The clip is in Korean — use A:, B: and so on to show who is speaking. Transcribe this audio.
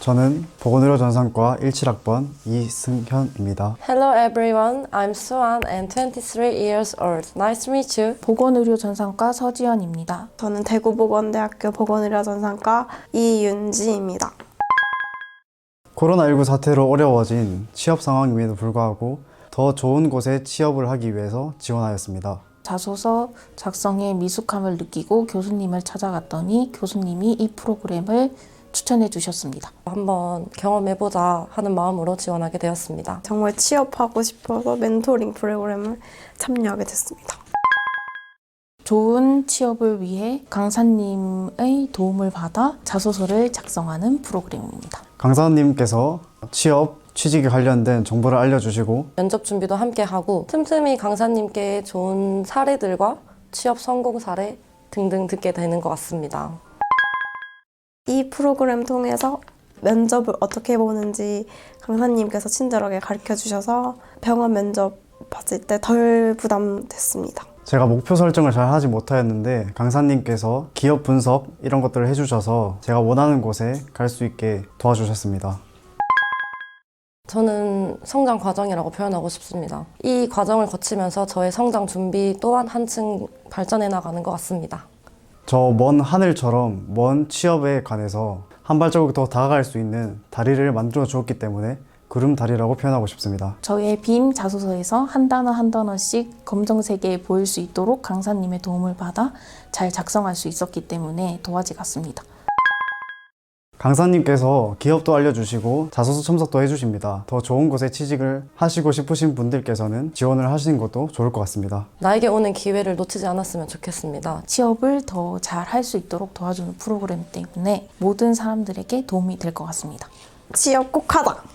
A: 저는 보건의료전산과 17학번 이승현입니다.
B: Hello everyone, I'm Suan and 23 years old. Nice to meet you.
C: 보건의료전산과 서지연입니다.
D: 저는 대구보건대학교 보건의료전산과 이윤지입니다.
A: 코로나19 사태로 어려워진 취업 상황임에도 불구하고 더 좋은 곳에 취업을 하기 위해서 지원하였습니다.
C: 자소서 작성에 미숙함을 느끼고 교수님을 찾아갔더니 교수님이 이 프로그램을 추천해 주셨습니다.
B: 한번 경험해보자 하는 마음으로 지원하게 되었습니다.
D: 정말 취업하고 싶어서 멘토링 프로그램을 참여하게 됐습니다.
C: 좋은 취업을 위해 강사님의 도움을 받아 자소서를 작성하는 프로그램입니다.
A: 강사님께서 취직에 관련된 정보를 알려주시고
B: 면접 준비도 함께 하고 틈틈이 강사님께 좋은 사례들과 취업 성공 사례 등등 듣게 되는 것 같습니다.
D: 이 프로그램 통해서 면접을 어떻게 보는지 강사님께서 친절하게 가르쳐 주셔서 병원 면접 봤을 때 덜 부담됐습니다.
A: 제가 목표 설정을 잘 하지 못하였는데 강사님께서 기업 분석 이런 것들을 해주셔서 제가 원하는 곳에 갈 수 있게 도와주셨습니다.
B: 저는 성장 과정이라고 표현하고 싶습니다. 이 과정을 거치면서 저의 성장 준비 또한 한층 발전해 나가는 것 같습니다.
A: 저 먼 하늘처럼 먼 취업에 관해서 한 발자국 더 다가갈 수 있는 다리를 만들어 주었기 때문에 구름다리라고 표현하고 싶습니다.
C: 저의 빈 자소서에서 한 단어 한 단어씩 검정색에 보일 수 있도록 강사님의 도움을 받아 잘 작성할 수 있었기 때문에 도화지 같습니다.
A: 강사님께서 기업도 알려주시고 자소서 첨삭도 해주십니다. 더 좋은 곳에 취직을 하시고 싶으신 분들께서는 지원을 하시는 것도 좋을 것 같습니다.
B: 나에게 오는 기회를 놓치지 않았으면 좋겠습니다.
C: 취업을 더 잘 할 수 있도록 도와주는 프로그램 때문에 모든 사람들에게 도움이 될 것 같습니다.
D: 취업 꼭 하자!